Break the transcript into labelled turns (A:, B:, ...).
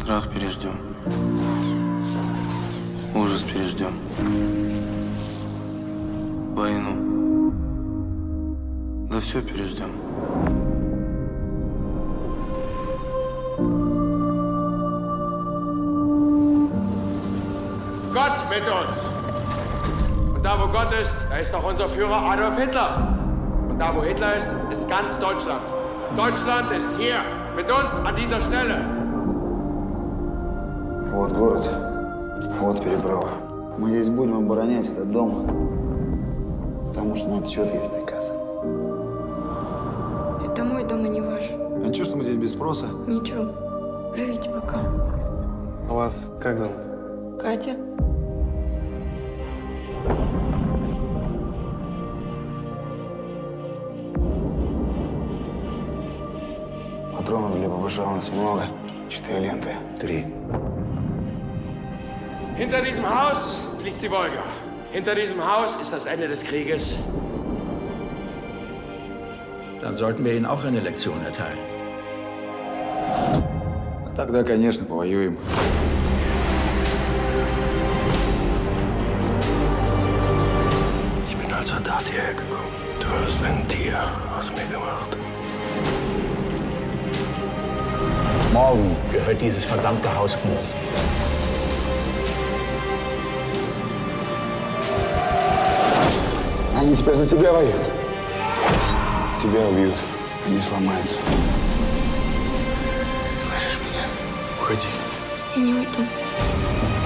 A: Крах переждем. Ужас переждем. Войну. Да все переждем.
B: Gott mit uns. Und da, wo Gott ist, da ist auch unser Führer Adolf Hitler. Und da, wo Hitler ist, ist ganz Deutschland. Deutschland ist hier, mit uns an dieser Stelle.
C: Вот город, вот переправа. Мы здесь будем оборонять этот дом, потому что на этот счет есть приказ.
D: Это мой дом, а не ваш.
C: А ничего, что мы здесь без спроса?
D: Ничего. Живите пока.
A: А вас как зовут?
D: Катя.
C: Патронов для ППШ у нас много. 4 ленты. 3.
B: Hinter diesem Haus fließt die Wolga. Hinter diesem Haus ist das Ende des Krieges.
E: Dann sollten wir Ihnen auch eine Lektion erteilen.
C: Тогда, конечно, повоюем.
E: Ich bin als Soldat hierher gekommen. Du hast ein Tier aus mir gemacht. Morgen gehört dieses verdammte Haus uns.
C: Они теперь за тебя воюют. Тебя убьют, они сломаются.
A: Слышишь меня? Уходи.
D: Я не уйду.